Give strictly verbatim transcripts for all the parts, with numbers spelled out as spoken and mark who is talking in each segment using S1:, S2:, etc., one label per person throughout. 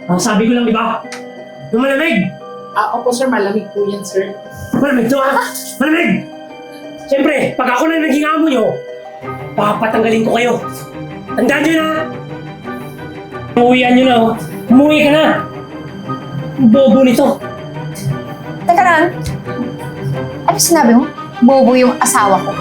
S1: Ang sabi ko lang, di ba? Yung malamig!
S2: Ah, opo sir, malamig po yan sir.
S1: Malamig to ha? Malamig! Siyempre, pag ako na naging amo nyo, papatanggalin ko kayo. Tandaan nyo na! Umuwian nyo na oh. Umuwi ka na! Bobo nito.
S3: Teka lang. Ano sinabi mo? Bobo yung asawa ko.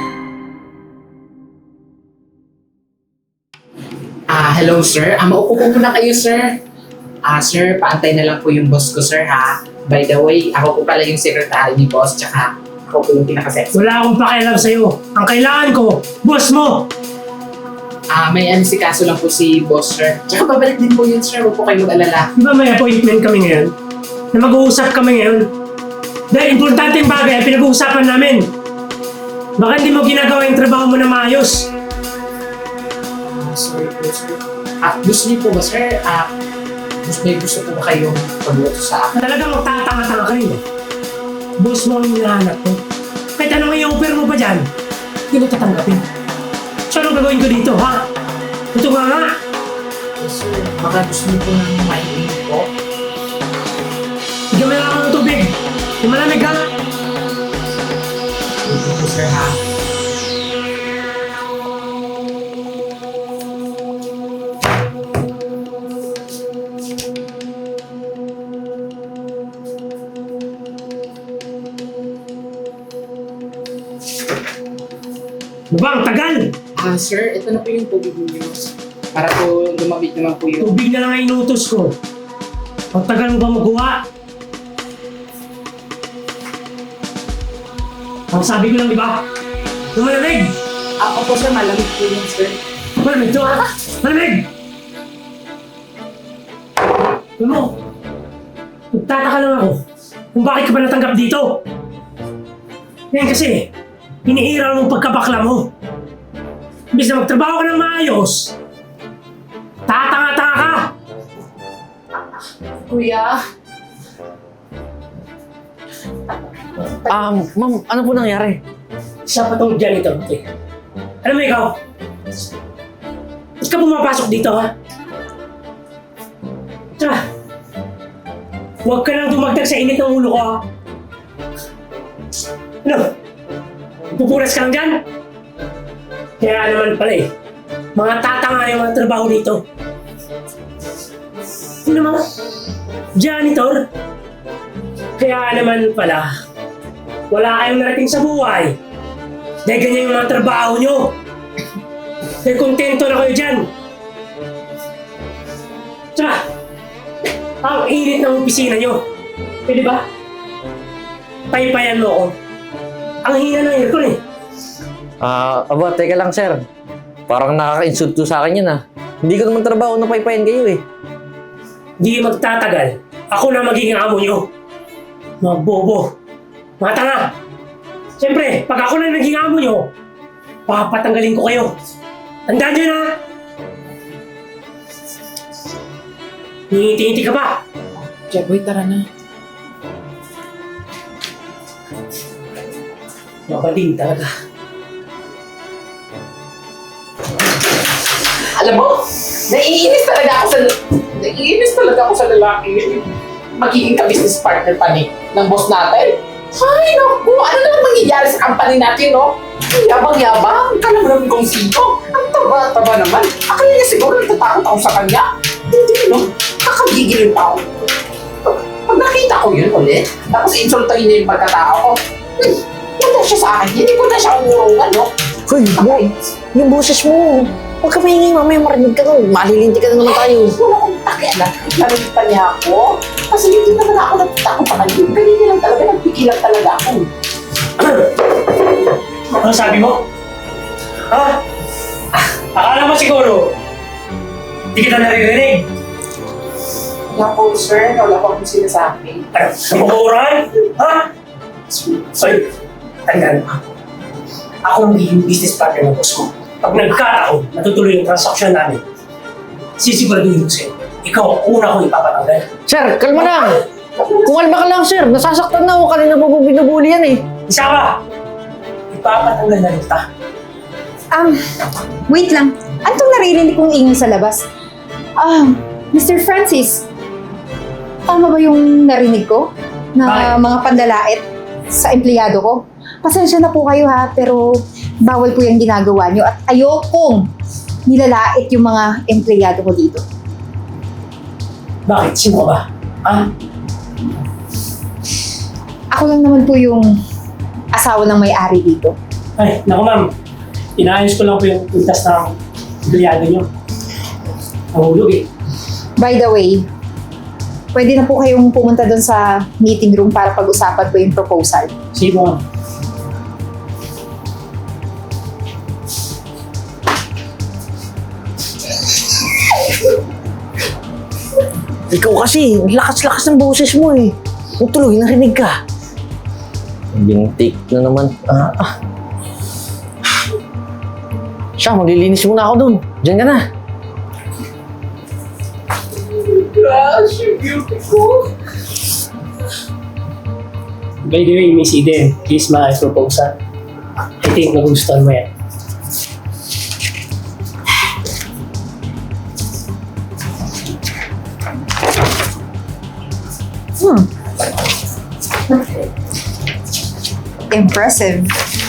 S2: Ah, hello sir. Ah, maupo po muna kayo sir. Ah, sir, paantay na lang po yung boss ko sir ha. By the way, ako po pala yung secretary ni boss, tsaka ako po yung pinaka-sexy.
S1: Wala akong pakialam sa'yo. Ang kailangan ko, boss mo!
S2: Ah, may ano si kaso lang po si boss sir. Tsaka babalik din po yun sir, huwag po kayo mag-alala.
S1: Di ba may appointment kami ngayon? Na mag-uusap kami ngayon? Dahil importanteng bagay ang pinag-uusapan namin. Baka hindi mo ginagawa yung trabaho mo na maayos.
S2: Ah, sorry po sir. Ah, gusto niyo po ba sir? Ah, gusto, may gusto po ba kayong pag-utos sa akin?
S1: Talagang magtatanga-tanga ka rin eh. Boss mo ang hinahanap ko. Kahit anong i-offer mo pa dyan, hindi ko tatanggapin. So anong gagawin ko dito, ha? Ito nga nga.
S2: Yes sir, baka gusto niyo po nang mahilig po.
S1: Bigyan mo lang ako ng tubig. Yung malamig ha.
S2: Gusto po sir ha.
S1: Ano ba, ang tagal?
S2: Ah, sir, ito na po yung tubig niyo. Para po lumabit naman po yung...
S1: Tubig na lang ang inutos ko. Ang tagal mo ba magawa? Ang sabi ko lang, di ba? Yung malamig!
S2: Ah, opo sir, malamig po yun, sir.
S1: Malamig to ha? Malamig! Alam mo, nagtataka lang ako kung bakit ka ba natanggap dito. Ngayon kasi, hinihiral mo pagkabakla mo. Imbis na magtrabaho ka ng maayos, tatanga-tanga ka!
S2: Kuya,
S4: Um, ma'am, ano po nangyari?
S1: Isa pa tong janitor, okay? Alam mo ikaw, ba't ka pumapasok dito ha? Tsaka, huwag ka nang dumagdag sa init ng ulo ko ha? Ano? Pupunas ka lang dyan? Kaya naman pala eh, mga tatanga yung mga trabaho dito. Ano naman? Janitor? Kaya naman pala, wala kayong narating sa buhay. Dahil ganyan yung mga trabaho nyo. Dahil kontento na kayo dyan. Tsaka, ang init ng opisina nyo. Pwede ba? Paypayan mo ako. Ang hina ng aircon eh.
S4: Ah, aba, teka lang, sir. Parang nakaka-insulto sa akin yun, ah. Hindi ko naman trabaho na paypayan kayo, eh.
S1: Di magtatagal. Ako na magiging amo nyo. Mga bobo. Mga tanga. Siyempre, pag ako na naging amo nyo, papatanggalin ko kayo. Tandaan nyo na! Ngiti-ngiti ka ba?
S2: Jeboy, tara na.
S1: Mabading talaga.
S2: Alam mo, naiinis talaga ako sa... Naiinis talaga ako sa lalaki. Magiging ka-business partner pa ni ng boss natin. Ay, naku, ano naman mangyayari sa company natin, no? Ang yabang-yabang, ka naman kung sino. Ang taba-taba naman. Akala niya siguro natatakot ako sa kanya. Hindi, no? Kakagigil yung tao. Pag nakita ko yun ulit, tapos insultahin niya yung pagkatao ko, hmm, wala siya sa akin. Hindi ko na siya umurungan, no?
S4: Hoy, bo, yung boses mo. Huwag ka maingay, mamaya marinig ka nun. Malilinti ka na naman tayo.
S2: Wala akong pakialam. Narinig pa niya ako. Kasi hindi naman ako nagtatakot pa kanina. Kanina lang talaga, nagpigilan talaga ako.
S1: Ano sabi mo? Ha? Akala mo siguro, hindi kita naririnig.
S2: Wala po, sir. Wala po akong sinasabi.
S1: Ano? Nabukuran? Ha? Sorry, tandaan mo. Ako ang magiging business partner ng boss ko. Pag nagkataon, natutuloy yung transaksyon namin, sisiguraduhin ko sa'yo, ikaw ang una kong ipapatanggal.
S4: Sir, kalma lang. Kumalma ka lang, sir. Nasasaktan na ako. Kanina po binubuli yan, eh.
S1: Isa ka! Ipapatanggal na rin kita.
S3: Um, wait lang. Anong naririnig kong ingay sa labas? Ah, Mister Francis, Tama ba yung narinig ko? Na
S1: Bakit?
S3: mga pandalait sa empleyado ko? Pasensya na po kayo ha, pero bawal po yung ginagawa nyo at ayokong nilalait yung mga empleyado ko dito.
S1: Bakit? Sino ka ba? Ha?
S3: Ako lang naman po yung asawa ng may-ari dito.
S1: Ay, naku ma'am. Inaayos ko lang po yung pintas ng empleyado nyo. Nahulog eh.
S3: By the way, pwede na po kayong pumunta doon sa meeting room para pag-usapan po yung proposal.
S1: Sige po ma'am.
S4: Ikaw kasi, lakas-lakas ng boses mo eh. Kung tuloy, narinig ka. Bintik na naman. Ah, ah. Siya, maglilinis muna ako dun. Diyan ka na.
S2: Gosh, you're beautiful.
S1: By the way, Miss Eden, please my proposal. I think nagustuhan mo yan.
S3: Hmm. Impressive.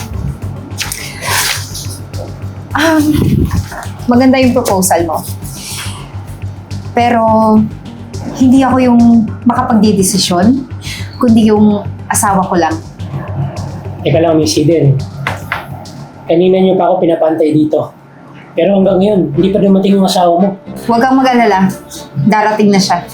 S3: Um, maganda yung proposal mo. Pero, hindi ako yung makapagdidesisyon, kundi yung asawa ko lang.
S1: Teka lang, Miss Eden. Kanina niyo pa ako pinapantay dito. Pero hanggang ngayon, hindi pa dumating yung asawa mo.
S3: Huwag kang mag-alala. Darating na siya.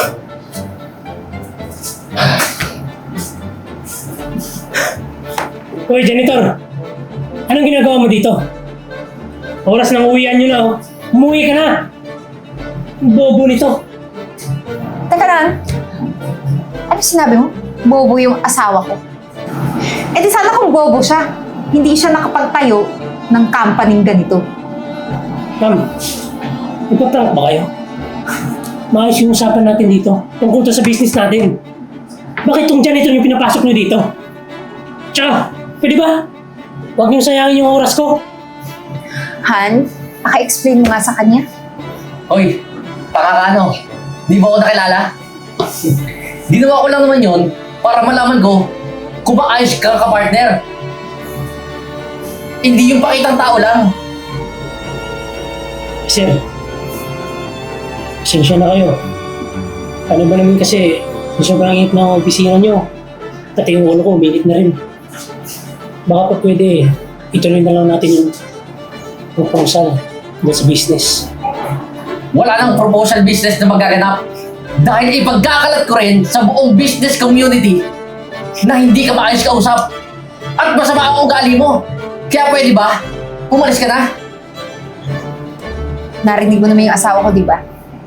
S1: Hoy, janitor! Anong ginagawa mo dito? Oras ng uwian nyo na, oh. Umuwi ka na! Ang bobo nito.
S3: Teka lang. Ano sinabi mo? Bobo yung asawa ko. Eh di sana kung bobo siya, hindi siya nakapagtayo ng company ganito.
S1: Ma'am, nagpaprank ba kayo? Maayos yung usapan natin dito tungkol to sa business natin. Bakit tong janitor yung pinapasok nyo dito? Tsaka, pwede ba? Huwag niyong sayangin yung oras ko.
S3: Han, paka-explain mo nga sa kanya.
S4: Hoy, pakakano? Di ba ako nakilala? Ginawa ko lang naman yun para malaman ko kung maayos ka ka-partner. Hindi yung pakitang tao lang.
S1: Sir, pasensya na kayo. Ano ba naman kasi, sobrang init ng opisina nyo. Pati yung ulo ko, umilit na rin. Baka pa pwede, ituloy na lang natin yung proposal dahil sa business.
S4: Wala nang proposal business na magaganap. Dahil ipagkakalat ko rin sa buong business community na hindi ka maayos kausap at masama ang ugali mo. Kaya pwede ba? Umalis ka na?
S3: Narinig mo naman yung asawa ko, di ba?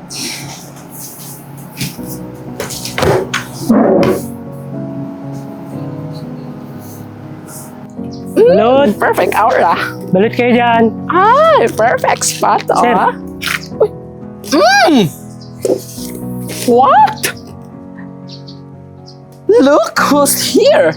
S1: Balot!
S2: Perfect aura.
S1: Balot kayo dyan!
S2: Ay, perfect spot,
S1: Sir.
S2: ah. Mmm! What? Look who's here!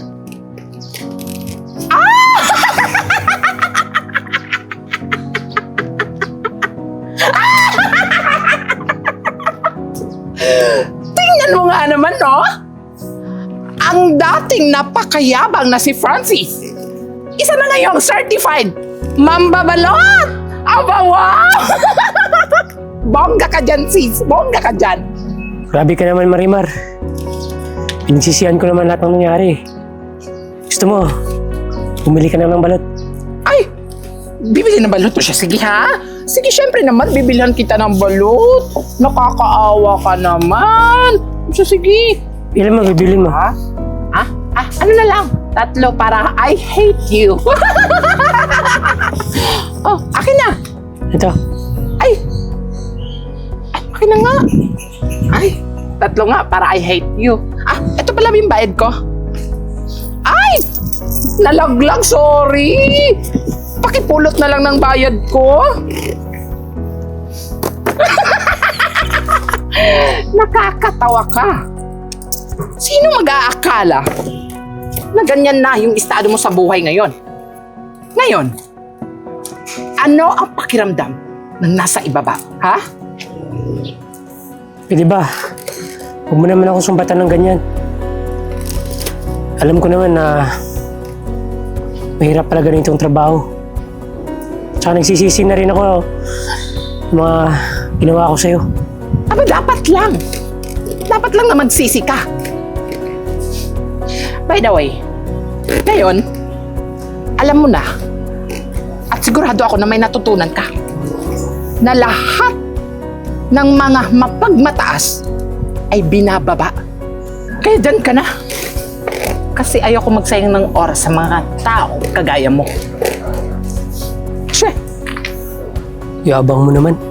S2: Tingnan mo nga naman, no? Ang dating napakayabang na si Francis. Isa na ngayong certified mambabalot! Aba, wow! Bongga ka dyan, sis. Bongga ka dyan.
S1: Grabe ka naman, Marimar. Pinagsisihan ko naman lahat ng nangyari. Gusto mo, bumili ka na ng balot.
S2: Ay, bibili ng balot to siya. Sige, ha? Sige, syempre naman, bibilihan kita ng balot. Nakakaawa ka naman. So, sige.
S1: Ilan mo, bibilin mo?
S2: Ha? Ah, ah, ano na lang? Tatlo para I hate you. Oh, akin na.
S1: Ito.
S2: Ay! Ay, akin na nga. Ay, tatlo nga para I hate you. Ah, ito pala yung bayad ko. Ay! Nalaglag, sorry! Pakipulot na lang ng bayad ko. Nakakatawa ka. Sino mag-aakala na ganyan na yung estado mo sa buhay ngayon? Ngayon, ano ang pakiramdam ng nasa ibaba, ha?
S1: Pwede ba? Huwag mo naman ako sumbatan ng ganyan. Alam ko naman na mahirap pala ganitong trabaho. Tsaka nagsisisi na rin ako sa mga ginawa ko sa'yo.
S2: Aba, dapat lang. Dapat lang na magsisi ka. By the way, ngayon, alam mo na, at sigurado ako na may natutunan ka, na lahat ng mga mapagmataas ay binababa. Kaya dyan ka na. Kasi ayoko magsayang ng oras sa mga tao kagaya mo. Siya.
S1: Yabang mo naman.